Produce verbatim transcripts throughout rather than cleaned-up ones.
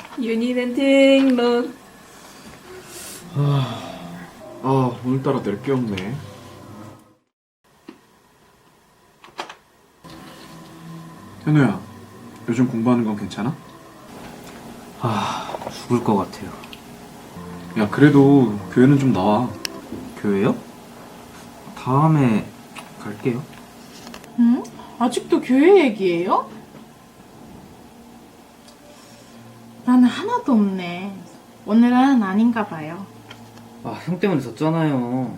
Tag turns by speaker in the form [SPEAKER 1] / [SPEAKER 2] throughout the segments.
[SPEAKER 1] 윤희는 등록.
[SPEAKER 2] 아, 오늘따라 낼 게 없네. 현우야, 요즘 공부하는 건 괜찮아?
[SPEAKER 3] 아, 죽을 것 같아요.
[SPEAKER 2] 야, 그래도 교회는 좀 나와.
[SPEAKER 3] 교회요? 다음에 갈게요.
[SPEAKER 4] 응? 아직도 교회 얘기예요? 나는 하나도 없네. 오늘은 아닌가 봐요.
[SPEAKER 3] 아, 형 때문에 졌잖아요.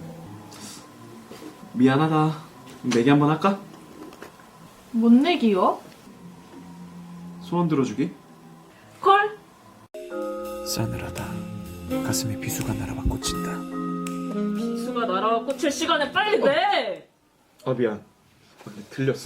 [SPEAKER 2] 미안하다. 내기 한번 할까?
[SPEAKER 4] 뭔 내기요?
[SPEAKER 2] 소원 들어주기?
[SPEAKER 1] 콜.
[SPEAKER 5] 싸늘하다. 가슴에 비수가 날아와 꽂힌다.
[SPEAKER 1] 수가 날아와 꽂힐 시간에 빨리 내.
[SPEAKER 2] 아, 미안. 들렸어?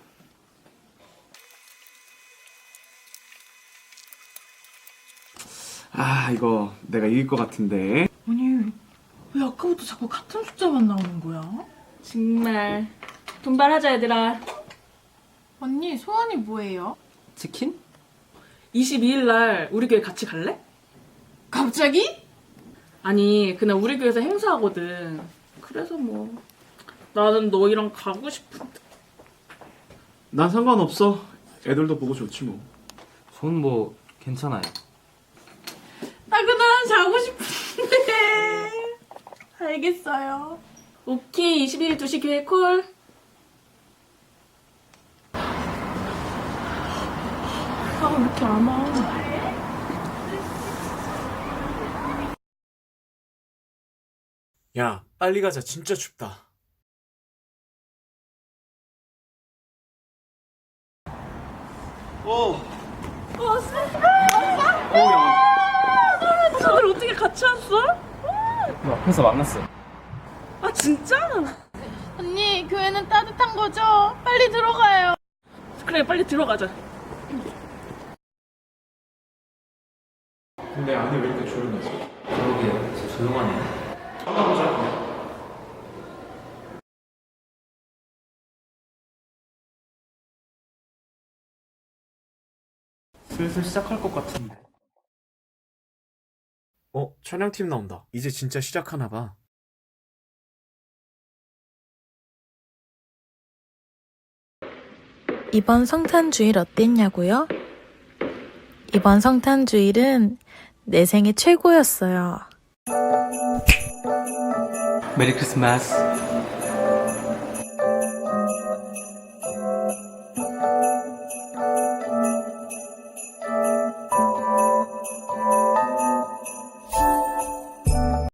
[SPEAKER 2] 아, 이거 내가 이길 것 같은데.
[SPEAKER 4] 아니, 왜 아까부터 자꾸 같은 숫자만 나오는 거야?
[SPEAKER 1] 정말 분발하자 얘들아.
[SPEAKER 4] 언니, 소원이 뭐예요?
[SPEAKER 3] 치킨?
[SPEAKER 1] 이십이 일 날 우리 교회 같이 갈래?
[SPEAKER 4] 갑자기?
[SPEAKER 1] 아니 그날 우리 교회에서 행사하거든. 그래서 뭐 나는 너희랑 가고 싶은데.
[SPEAKER 2] 난 상관없어. 애들도 보고 좋지 뭐.
[SPEAKER 3] 전 뭐 괜찮아요.
[SPEAKER 4] 나 그날 자고 싶은데. 알겠어요.
[SPEAKER 1] 오케이. 이십일 일 두 시 교회 콜. 아 왜 이렇게 안 와?
[SPEAKER 5] 야, 빨리 가자. 진짜 춥다.
[SPEAKER 2] 어.
[SPEAKER 1] 다들 어떻게 같이 왔어?
[SPEAKER 3] 앞에서 만났어.
[SPEAKER 1] 아 진짜?
[SPEAKER 4] 언니, 교회는 따뜻한 거죠? 빨리 들어가요.
[SPEAKER 1] 그래 빨리 들어가자.
[SPEAKER 2] 근데 안에 왜 이렇게 조용하지?
[SPEAKER 3] 그러게요. 진짜 조용하네. 슬슬 시작할 것 같은데.
[SPEAKER 5] 어, 촬영팀 나온다. 이제 진짜 시작하나 봐.
[SPEAKER 6] 이번 성탄주일 어땠냐고요? 이번 성탄주일은 내 생애 최고였어요.
[SPEAKER 3] 메리 크리스마스.